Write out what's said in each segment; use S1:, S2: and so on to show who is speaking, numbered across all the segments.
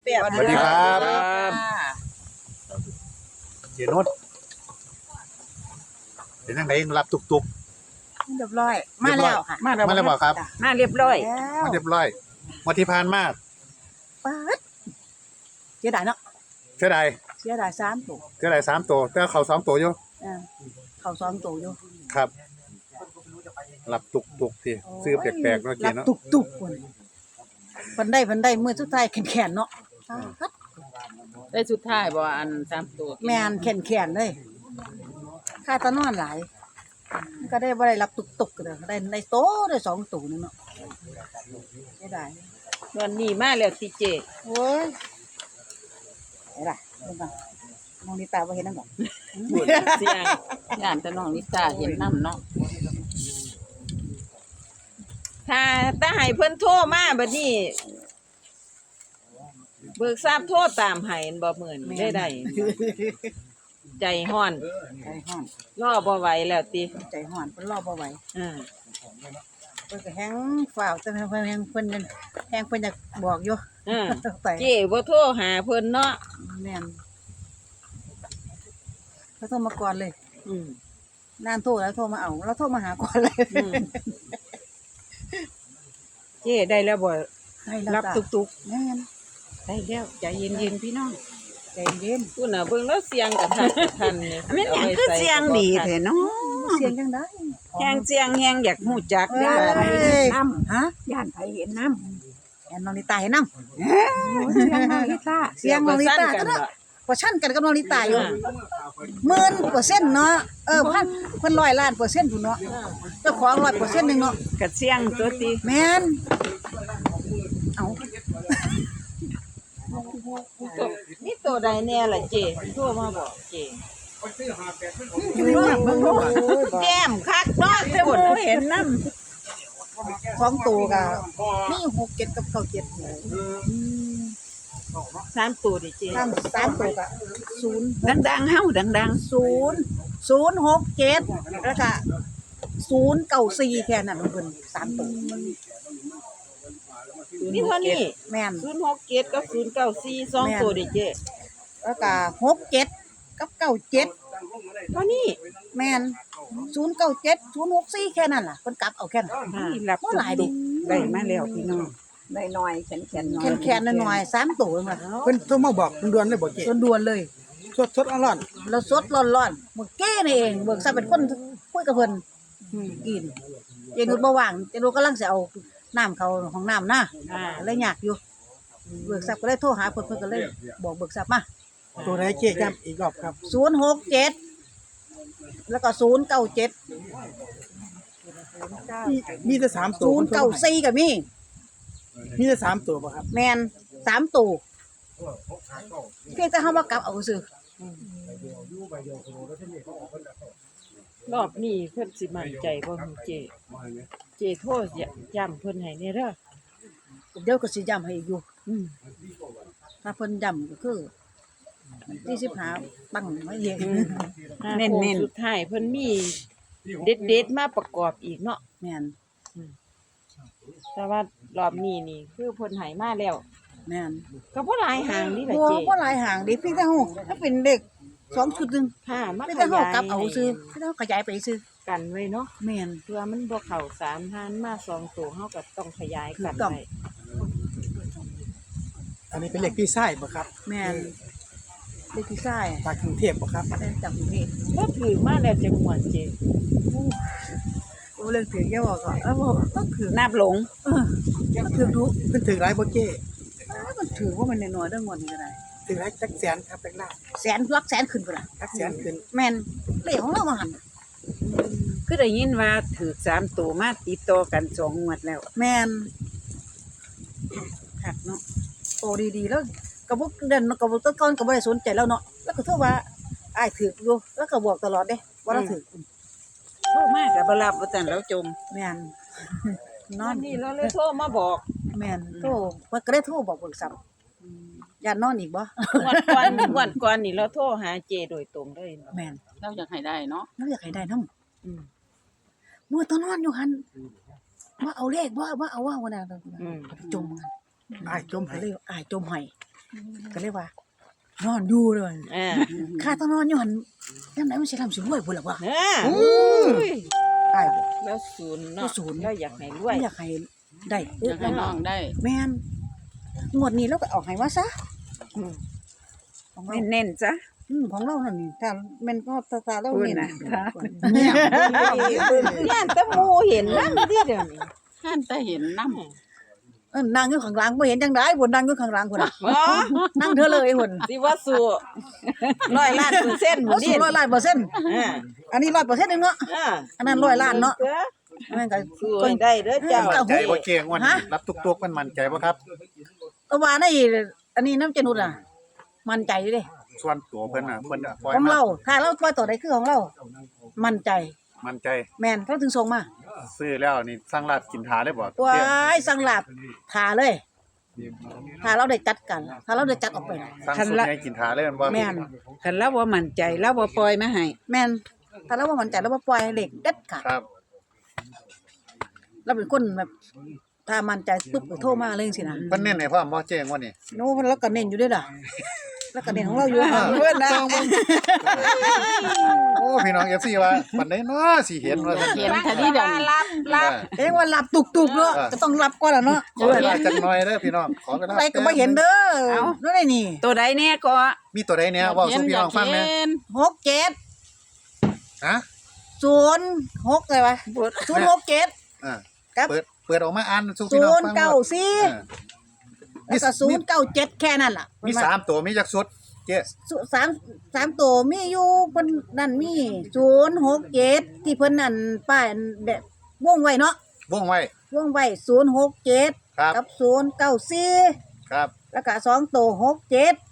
S1: ป๊บ
S2: สวัสดีครับ เจนุชเป็นยังไงรับตุก
S1: เรียบร้อยมาแล้วค่ะ
S2: ๆมาแล้วบ่ครับ
S3: มาเรียบร้อย
S1: แล้ว
S2: มาเรียบร้อยมาที่ผ่านมา
S1: ป๊าดเสียดายเนาะ
S2: เท่าใด
S1: เสียดาย3ตัว
S2: เท่าใด3ตัวแต่เขา2ตัวอยู่
S1: เขา2ตัวอยู่
S2: ครับ รับตุกๆที่ซื้อแปลกๆเนาะเจ
S1: รับ
S2: เนาะ
S1: ตุกๆคนเพิ่นได้มื้อสุดท้ายแขนๆเนาะป๊าด
S3: ได้สุดท้ายบ่อัน3ตัว
S1: แม่นแขนๆเลยค่าตะนอนหลายก็ได้บ่ได้รับตุกๆก็ได้โตได้2ตัวนึงเนาะเสียดาย
S3: วันนี้มาแล้วติเจ
S1: โอ้ยไหนล่ะเบิ่งก่อนมองนี่ตาบ่เห็นนำบ่
S3: บุญเสียงย่านแต่น้องนิตาเห็นนำเนาะถ้าให้เพิ่นโทรมาบัดนี้เบิกทราบโทรตามให้บ่มื้อนี้ได้ใจฮ้อน
S1: ใจฮ้อน
S3: รอบ่ไหวแล้วติ
S1: ใจฮ้อนเพิ่นรอบ่ไหว
S3: อ่า
S1: เพิ่นก็แฮงฝ่าวแต่เพิ่นแฮงเพิ่นอยากบอกอยู่
S3: อ่า
S1: ไป
S3: เจ้บ่โทรหาเพิ่นเนาะ
S1: แม่นเขาโทรมาก่อนเลย
S3: อืม
S1: นานโทรแล้วโทรมาเอาแล้วโทรมาหาก่อนเลย
S3: อืมเจ้ได้แล้วบ่
S1: ให้แล้ว
S3: รับ
S1: จ้ะ
S3: ตุก
S1: แม่น
S3: ๆได้แล้วใจเย็นๆพี่น้อง
S1: ใจเย็น
S3: คุณน่ะเบิ่งแล้วเสียงกับทันนี่
S4: มันหยังคือเสียงดีแท้เนาะ
S1: เสียงจังได๋
S3: แฮงเสียงแฮงอยากฮู้จัก
S1: เอ้
S3: เด้อย
S4: น้ำ
S1: ฮะ
S4: ย่านไผเห็นน้
S1: แอนน้องลิตาเห็นนำ
S4: ำเสียงน้องลิต้า
S1: เสียงน้องลิตา
S3: กั
S1: ก็
S3: น
S1: ได้
S3: บ่
S1: บ่ชั่นกันกับน้องลิตาอยู่10,000%เนาะพันเพิ่น100ล้านเปอร์เซ็นต์พุ่นเนาะเจ้าของ100%นึงเนาะ
S3: กะเสียงตัวติ
S1: แม่นเอา
S3: นี่ตัวใดแน่ล่ะเจ้โทรมาบอกเจ้
S1: อยู่ในนั้นเบิ่งดูว่า
S3: แก้มคักเนาะ
S4: แต่บ่เห็นน้
S1: 2ตัวก็มี6 7กับ9 7
S3: 3ตัวดิเจ้
S1: 3ตัวก็0
S4: ำดังๆเฮาดัง
S1: 0 แล้วก็094แค่นั้นเพิ่น3ตัว
S3: มีเท่านี้
S1: แม่น
S3: 067กับ094 2ตัวดิเจ้
S1: แล้วก็67กับ97
S3: เท่านี้
S1: แม่น097 064แค่นั้นล่ะเพิ่นกลับเอาแค่นั้น
S4: ๆนี่รับ
S1: บ่หลายดิ
S4: ได้มาแล้วพี่น้องได้น้อยแขนๆน้อย
S1: แค่ๆน้อยๆ3ตัวเองล่ะ
S5: เพิ่นโทรมาบอกด่วนๆเลยบ่เจ๊
S1: ด่วนๆเลย
S5: สดๆร้อน
S1: แล้วสดร้อนๆมื้อแก้นี่เองเบิกซะเป็นคนคุยกับเพิ่นกินเจนุชบ่ว่างเจนุชกำลังสิเอาน้ำเข้าห้องน้ำนะ
S3: อ่า
S1: เลยยากอยู่เบิกทรัพย์ก็เลยโทรหาเพิ่นก็เลยบอกเบิกทรัพย์มา
S5: ๆตัวไหนเจ๊ย้ำอีกรอบครับ
S1: 067แล้วก็097
S5: มีแต่3ตัวเพิ่นโทรมาให้
S1: 094ก็มี
S5: มีแต่3ตัวบ่ครับ
S1: แม่น3ตัวเพียงแต่เฮาบ่กลับเอาซื่อ
S3: รอบนี้เพิ่นสิมั่นใจบ่ฮู้เจ้เจ้โทรย้ำเพิ่นให้แน่เด้อ
S1: เดี๋ยวก็สิย้ำให้อีกอยู่
S3: อืม
S1: ถ้าเพิ่นย้ำก็คือที่15ปังไว้เอง
S3: เน้นๆสุดท้ายเพิ่นมีเด็ดๆมาประกอบอีกเนาะ
S1: แม่น
S3: แต่ว่ารอบนี้นี่คือเพิ่นให้มาแล้ว
S1: แม่น
S3: ก็บ่หลายหางนี่ล่ะ
S1: บ่
S3: เจ้
S1: บ่หลายหางดิเพียงแต่เฮาถ้าเป็นเด็ก2ชุดนึง
S3: ค่ะมา
S1: เพียง
S3: ข
S1: แต่เฮาย
S3: าย
S1: กลับเอาซื่อเพียงแต่เฮาขยายไปซื่อ
S3: กันไว้เนาะ
S1: แม่น
S3: เพื่อมันบ่เข้า3หานมา2ตัวเฮาก็ต้องขยายกัน
S1: ถูกต้อง
S3: ไว้
S5: อันนี้เป็นเลขพี่ชายบ่ครับ
S1: แม่นเด็กพี่ชาย
S5: จากกรุงเทพบ่ครับ
S1: ได้จากกรุงเทพ
S3: บ่ถือมาแล้วจังหวัดเจ้
S1: โอ้เรื่องถือแกบอกก่อนบ่ต้องถือ
S4: นับหลง
S1: มันถือดุ
S5: เพิ่นถือหลายบ่เจ๊
S1: มันถือว่ามันน้อยๆเด้องวดนี้ก็ได้
S5: ถือหลายจักแสนครับจักล้าน
S1: แสนหลักแสนขึ้นพุ่นน่ะ
S5: จักแสนขึ้น
S1: แม่นเลขของเรามาหั่น
S4: คือได้ยินว่าถูก3ตัวมาติดต่อกัน2งวดแล้ว
S1: แม่นคักเนาะโตดีๆแล้วก็บ่เดินก็บ่ตะก่อนก็บ่ได้สนใจแล้วเนาะแล้วก็โทรว่าอ้ายถืออยู่แล้วก็บอกตลอดเด้ว่าเราถือ
S4: โทรมาก็บ่รับว่าซั่นแล้วจม
S1: แม่นนอ
S3: วัน นนี้เราเลยโทรมาบอก
S1: แม่นโทรเพิ่นก็ได้โทรบอกเบิกทรัพย์ย่านนอนอีกบ่
S3: วันก่อนนี่เราโทรหาเจโดยตรงเลยเนาะ
S1: แม่น
S4: เราอยากให้ได้เนาะ
S1: เราอยากให้ได้นำ
S3: อืม
S1: เมื่อตอนนอนอยู่หั่นว่าเอาเลขบ่เอาว่าว่าน่ะ
S3: อืม
S1: จมกัน
S5: อ้ายจม
S1: ก็
S5: ให้
S1: เลยอ้ายจมให้ก็เลยว่านอนอยู่เลย
S3: อ่า
S1: ข้าต้องนอนอยู่หั่นยามใดมันสิทำสิรวยพุ่นล่ะวะ
S3: โอ้ย
S1: ตายบ่
S3: แล้วศูนย์
S1: แล้
S3: เนาะ
S1: วศูนย์
S3: แล้วอยากให้รวย
S1: อยากให้ได้
S6: อยากให้น้องได้
S1: แม่นงวดนี้เราก็เอาให้มาซะของเรา
S4: เน้นๆจ้ะ
S1: ของเรานั่นนี่ถ้าแม่นก็ตาเรา
S4: พูด
S1: นี่
S4: น่ะ
S1: นะ
S5: เนี่ย
S3: ย่านแตะมูเห็นนำที่เดี๋ยวนี้
S6: ท่านแต่เห็นน้
S1: นั่งอยู่ข้างหลังบ่เห็นจังได๋พุ่นนั่งอยู่ข้างหลังพุ่นน่ะ
S3: บ่
S1: นั่งเธอเลยพุ่น
S3: สิว่าสู้100 ล้านเปอร์เซ็นต์
S1: บ่
S3: บ่
S1: สู
S3: นี่
S1: 100ล้านเปอร์เซ็นต์
S3: อ่า
S1: อันนี้100%นึงเนาะ
S3: อ่า
S1: อันนั้น100ล้านเนาะแม่นก็
S3: สู้ให้ได้เด้อเจ้า
S2: มั่นใจบ่เจ๊งวดนี้รับตุกๆมันมั่นใจบ่ครับ
S1: แต่ว่าในอันนี้น้ำเจนุดอ่ะมั่นใจอยู่เด้
S2: ส่วนตัวเพิ่นน่ะเพิ่นปล่อย
S1: ของ
S2: มา
S1: เราถ้าเราปล่อยตัวใดคือของเรา มั่นใจ
S2: มั่นใจ
S1: แม่นเขาถึงส่งมา
S2: ซื้อแล้วนี่สั่งลาบกินทาได้บ่
S1: ว้ายสั่งลาบทาเลยถ้าเราได้จัดกัน ถ้าเราได้จัดออกไปน่ะ
S2: สั่งสุดให้กินทาเลยแม่นบ่
S1: แม่น
S4: คันเราบ่มั่นใจเราบ่ปล่อยมาให้
S1: แม่นถ้าเราบ่มั่นใจเราบ่ปล่อยให้เล็กเด็ดขาด
S2: ครับ
S1: เราเป็นคนแบบถ้ามั่นใจปุ๊บก็โทรมาเลยจังซี่นะ
S2: เพิ่นเน้นให้พร้อมบ่เจ๊งวดนี้
S1: โน้เราก็เน้นอยู่เด้อล่ะแล้วก็เน้นของเราอยู่เพิ่นนะ
S2: โอ้พี่น้อง FC ว่าปานใดเนาะสิเห็นว่าซั่น
S6: ำเห็นคดีเดียวนี้
S1: เอ้ยว่าหลับตุกๆเนาะก็ต้องหลับก่อนล่ะเนาะ
S2: ขอเวลาจักหน่อยเด้อพี่น้องขอเวลา
S1: อะไรก็บ่เห็นเด้อนั่นได้นี่
S4: ตัวใดแน่ก็
S2: มีตัวใดเนี่ยเว้าสู่พี่น้องฟังแหน่
S1: 67
S2: ฮะ
S1: 06เลยวะ067
S2: อ่า
S1: ครับ
S2: เปิดออกมาอ่านสู่พี่น้องฟัง
S1: 094แล้วก็097แค่นั้นล่ะ
S2: มี3ตัวมีจักสุดเจ๊
S1: สามตัวมีอยู่เพิ่นนั่นมี067ที่เพิ่นนั่นป้ายแบบวงไว้เนาะ
S2: วงไว้
S1: วงไว้067
S2: ครับ
S1: กับ094
S2: ครับ
S1: แล้วก็2ตัว67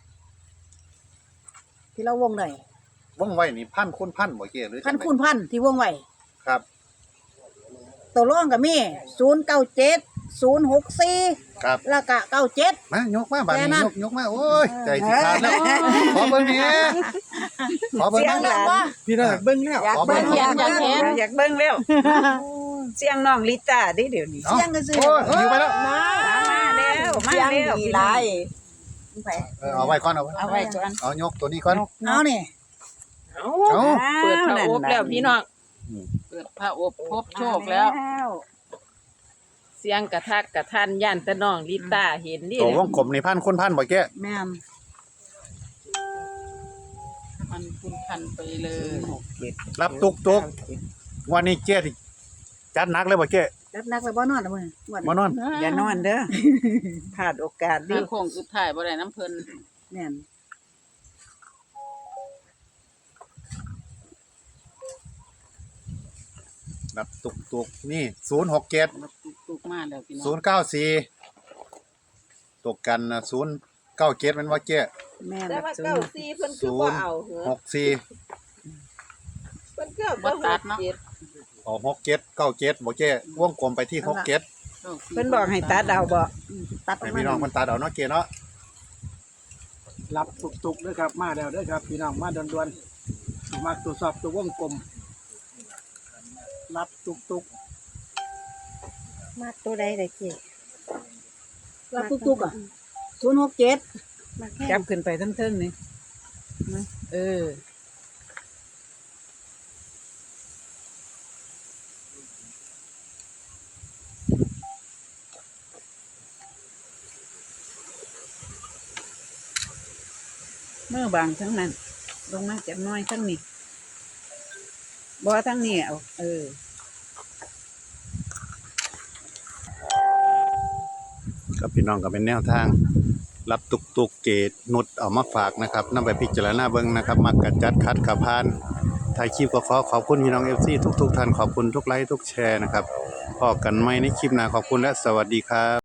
S1: ที่เราวงได้
S2: วงไว้นี่พันคูณพันบ่เจ๊หรือ
S1: พันคูณพันที่วงไว้
S2: ครับ
S1: ตัวรองก็มี097 064
S2: ครับ
S1: แล้วก็97
S2: มายกมาบัด
S1: แค่
S2: นี้
S1: นั้น
S2: ยกมาโอ้ยใจสิขาดแล้วขอเบิ่งแหน่ขอเบิ่ง
S1: เสียง
S2: แหน่
S1: ดังว่า
S5: พี่น้องอยากเบิ่งแล้ว
S4: อยากเบิ่งอยากเบิ่งแล้วเสียงน้องลิต้าเด้เดี๋ยวนี้
S2: อา
S1: เสียงก็ซื้อ
S2: โอ้ยอยู่ไปแล้ว
S4: มาแล้วมาแล้วพี่น้อง
S2: เอาไว้ก่อนเอาไว้
S4: เอาไว้ก่อน
S2: เอายกตัวนี้ก่อน
S1: เอานี่
S3: เอ้า
S2: เอา
S3: เปิดพระอบแล้วพี่น้อง
S6: เปิดพระอบพบโชคแล้ว
S3: เสียงกระทักกระทันย่านแตะน้องลิต้าเห็นดิ
S2: ตัววงกลมนี่พันคูณพันบ่แก
S1: แม่น
S6: มันคุณพันไปเลย
S2: รับตุกวันนี้เจ๊ที่จัดหนักเลยบ่แก
S1: จัดหนักแล้วบ่นอนแล้วมื้อ
S2: มานอน
S4: อย่านอนเด้อพลาดโอกาสดิ
S6: ถ้าโค้งสุดท้ายบ่ได้น้ำเพิ่น
S1: แม่น
S2: รับตุกนี่067
S6: ตุกมาแล้วพี่น้อง
S2: 094ตกกันน่ะ097แม่นบ่แก
S1: แม่น
S3: แต่ว่าเก้าสี่เพิ่นคือบ่เอาเหรอ
S2: 64
S3: เพิ่นคือ
S6: บ่ตัดเนาะ
S2: เอา67 97บ่แกวงกลมไปที่67
S4: เพิ่นบอกให้ตัดเอาบ่
S1: ตัดออ
S2: ให้
S1: กมา
S2: พี่น้องเพิ่นตัดเอาเนาะเกเนาะ
S5: รับตุกๆด้วยครับมาแล้วเด้อครับพี่น้องมาด่วนๆมาตรวจสอบตัววงกลมรับตุก
S3: มาตัวใดได้เจ๊
S1: รับตุกๆอ่ะ067
S4: จับขึ้นไปเทิงๆนี่เออ เมื่อบางทั้งนั้น ลงมาจับน้อยทั้งนี้บ่ทั้งนี้เอา
S2: ครับพี่น้องก็เป็นแนวทาง รับตุกเกตนุดเอามาฝากนะครับนำไปพิจารณาเบิ่งนะครับมักกะจัดคัดขับพานถ่ายคลิปก็ขอบคุณพี่น้อง FC ทุกท่านขอบคุณทุกไลค์ทุกแชร์นะครับพบกันใหม่ในคลิปหน้าขอบคุณและสวัสดีครับ